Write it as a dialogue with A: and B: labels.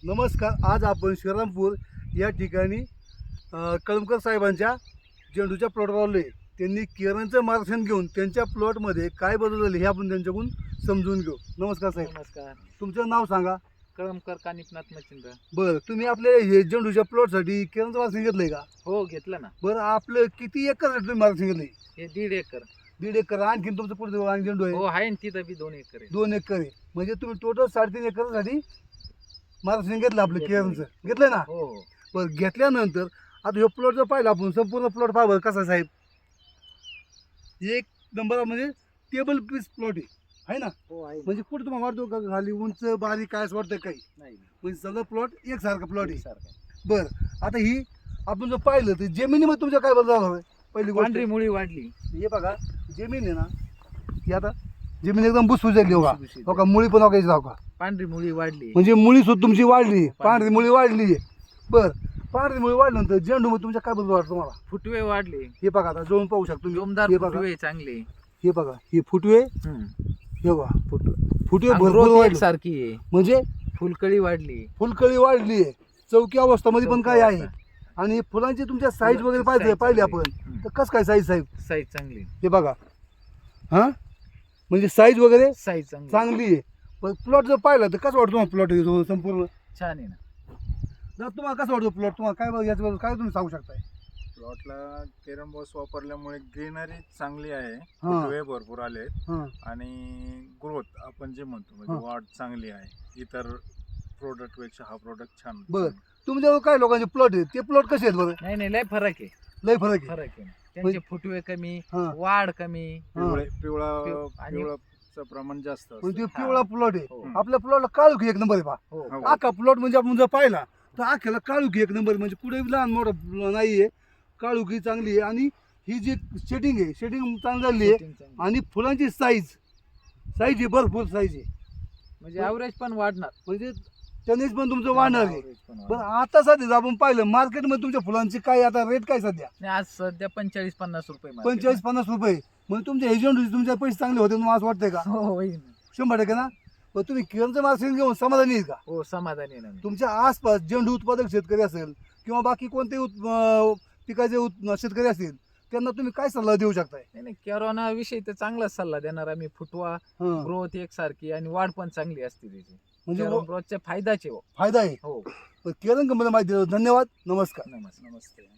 A: नमस्कार. आज आपण श्रीरामपूर या ठिकाणी कळमकर साहेबांच्या झेंडूच्या प्लॉटवर आलो आहे. त्यांनी किरणचं मार्गदर्शन घेऊन त्यांच्या प्लॉटमध्ये काय बदल झाले हे आपण त्यांच्याकडून समजून घेऊ. नमस्कार साहेब.
B: नमस्कार.
A: तुमचं नाव सांगा.
B: कळमकर कानिपनाथ मच्छिंद्र.
A: बरं, तुम्ही आपल्या हे झेंडूच्या प्लॉटसाठी किरणचं मार्गदर्शन घेतलंय का?
B: हो, घेतलं ना.
A: बरं, आपलं किती एकर तुम्ही मार्गदर्शन घेतलंय?
B: हे 1.5 एकर.
A: 1.5 एकर. आणखी तुमचं पुढे आणि झेंडू आहे?
B: हो आहे ना, तिथं बी 2 एकर आहे.
A: 2 एकर आहे. म्हणजे तुम्ही टोटल 3.5 एकरसाठी मार्गदर्शन घेतलं आपलं
B: घेतलंय.
A: किरणचं. घेतलंय ना?
B: हो हो.
A: बरं, घेतल्यानंतर आता हे प्लॉट जर पाहिलं आपण संपूर्ण प्लॉट पाहावं कसा आहे साहेब. एक नंबर म्हणजे टेबल पीस प्लॉट आहे ना.
B: हो आहे.
A: म्हणजे कुठं तुम्हाला वाटतो का खाली उंच बारीक काय असं वाटतं काही
B: नाही
A: म्हणजे सगळं प्लॉट एकसारखा प्लॉट आहे.
B: सारखं.
A: बरं, आता ही आपण जर पाहिलं तर जमिनीमध्ये तुमच्या काय बदल झाला होय? पहिली गोष्ट
B: पांढरी मुळी वाढली.
A: हे बघा, जमीन आहे ना ही आता जमीन एकदम भुसभुशीत झाली. बघा
B: भुसभुशीत.
A: बघा, मुळी पण बघायची जाऊ का,
B: पांढरी मुळी वाढली.
A: म्हणजे मुळी सुद्धा तुमची वाढली, पांढरी मुळी वाढली आहे. बरं, पांढरी मुळी वाढल्यानंतर झेंडू मध्ये तुमच्या काय बदल वाटतो तुम्हाला?
B: फुटवे वाढले.
A: हे बघा, आता जवळून पाहू शकतो तुम्ही.
B: जोमदार
A: हे बघा,
B: फुटवे चांगले.
A: हे बघा, हे फुटवे, हे बघा फुटवे भरपूर
B: ग्रोथ
A: वाढले.
B: सारखी आहे.
A: म्हणजे
B: फुलकळी वाढली.
A: फुलकळी वाढली आहे. चौकी अवस्थामध्ये पण काय आहे. आणि फुलांची तुमच्या साईज वगैरे पाहिजे आपण तर कसं काय साईज साहेब?
B: साईज चांगली.
A: हे बघा, हा म्हणजे साईज वगैरे
B: साईज चांगली.
A: चांगली आहे. पण प्लॉट जर पाहिला तर कसं वाटतं तुम्हाला प्लॉट संपूर्ण?
B: छान आहे ना.
A: जर तुम्हाला कसं वाटतं प्लॉट? तुम्हाला काय बघ याच्याबद्दल काय तुम्ही सांगू शकताय?
C: प्लॉटला केरम बॉस वापरल्यामुळे ग्रीनरी चांगली आहे.
A: हा.
C: फुटवे भरपूर आले
A: हां
C: आणि ग्रोथ आपण जे म्हणतो
A: हा.
C: म्हणजे वाढ चांगली आहे. इतर प्रोडक्ट पेक्षा हा प्रोडक्ट छान.
A: बरं. तुमच्यावर काय लोकांचे प्लॉट आहेत ते प्लॉट कसे आहेत बरं?
B: नाही नाही, लय फरक आहे.
A: लय फरक आहे.
B: फरक आहे. त्यांचे फुटवे कमी,
A: हां.
B: वाढ कमी.
C: पिवळा
B: आणि-
C: पिवळाचं प्रमाण जास्त असतं.
A: म्हणजे पिवळा प्लॉट आहे.
B: हो.
A: आपल्या प्लॉटला काळुखी एक नंबर आहे पहा.
B: हो.
C: हो.
A: आखा प्लॉट म्हणजे आपण जर पाहिला तर आख्याला काळुखी एक नंबर, म्हणजे कुठे लहान मोठं नाही आहे. काळुखी चांगली आहे आणि ही जी शेडिंग आहे शेडिंग चांगली झाली आहे.
B: Setting चांगली.
A: आणि फुलांची साईज आहे, भरपूर साईज आहे.
B: म्हणजे ॲव्हरेज पण वाढणार.
A: म्हणजे टनेज पण तुमचं वाढणार आहे.
B: Average पण
A: बरं,
B: वाढणार.
A: आता सध्या जर आपण पाहिलं मार्केटमध्ये तुमच्या फुलांची काय आता रेट काय सध्या?
B: नाही, आज सध्या 45-50 रुपये market
A: 45-50 रुपये. म्हणजे तुमच्या एजंट तुमचे पैसे चांगले होते तुम्हाला असं वाटतंय का?
B: आहे. हो होईल ना.
A: 100% ना. पण तुम्ही किरणचं मार्केट घेऊन समाधानी आहेत का?
B: हो, समाधानी आहे ना मी.
A: तुमच्या आसपास झेंडू उत्पादक शेतकरी असेल किंवा बाकी कोणतेही पिकाचे शेतकरी असतील त्यांना तुम्ही काय सल्ला देऊ शकताय?
B: नाही नाही, कॅरोना विषयी तर चांगलाच सल्ला देणार आम्ही. फुटवा,
A: हं.
B: ग्रोथ एकसारखी आणि वाढ पण चांगली असते त्याची.
A: म्हणजे
B: ग्रोथचे फायदाचे हो.
A: फायदा आहे.
B: हो.
A: किरण कंपनी माहिती दिली. धन्यवाद. नमस्कार.
B: नमस्ते.